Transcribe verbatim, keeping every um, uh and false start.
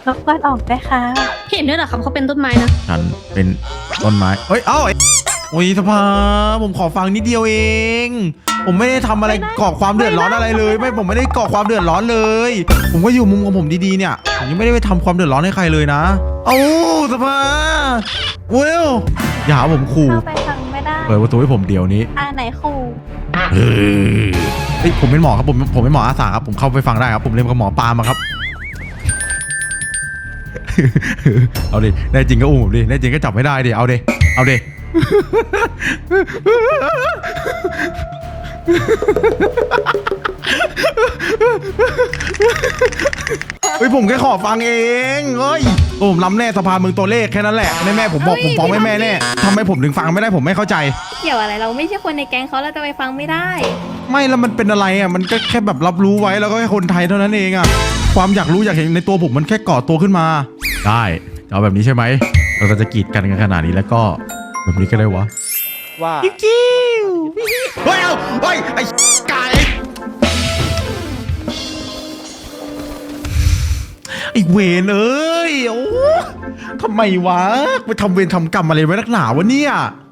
รบกวนออกด้วยค่ะเห็นด้วยเหรอครับเขาเป็นต้นไม้นะฉันเป็นต้นไม้เฮ้ยเอ้าโอ้ยสภาผมขอฟังนิดเดียวเอง ผมไม่ได้ทำอะไรก่อความเดือดร้อนอะไรเลยไม่ผมไม่ได้ก่อความเดือดร้อนเลย ผมก็อยู่มุมของผมดีๆเนี่ยผมยังไม่ได้ไปทำความเดือดร้อนให้ใครเลยนะเอ้าสภาเวลอย่าหาผมขู่เข้าไปฟังไม่ได้เปิดประตูให้ผมเดี๋ยวนี้อ่าไหนครูเฮ้ยผมเป็นหมอครับผมผมเป็นหมออาสาครับผมเข้าไปฟังได้ครับผมเรียนกับหมอปามาครับเอาดิแน่จริงก็อุ้มผมดิแน่จริงก็จับไม่ได้ดิเอาดิเอาดิเฮ้ยผมแค่ขอฟังเองเฮ้ยผมล้ำแน่สภาเมืองตัวเลขแค่นั้นแหละแม่แม่ผมบอกผมฟ้องแม่แม่แน่ทำไมผมถึงฟังไม่ได้ผมไม่เข้าใจเกี่ยวอะไรเราไม่ใช่คนในแก๊งเขาเราจะไปฟังไม่ได้ไม่แล้วมันเป็นอะไรอ่ะมันก็แค่แบบรับรู้ไว้แล้วก็แค่คนไทยเท่านั้นเองอ่ะความอยากรู้อยากเห็นในตัวผมมันแค่ก่อตัวขึ้นมาได้เอาแบบนี้ใช่ไหมเราก็จะกีดกันกันขนาดนี้แล้วก็แบบนี้ก็ได้วะว่ากิ้วเฮ้ยเอาเฮ้ยไอ้ไก่ไอ้เวรเอ้ยโอ้ทำไมวะไปทำเวรทำกรรมอะไรไว้นักหนาวะเนี่ย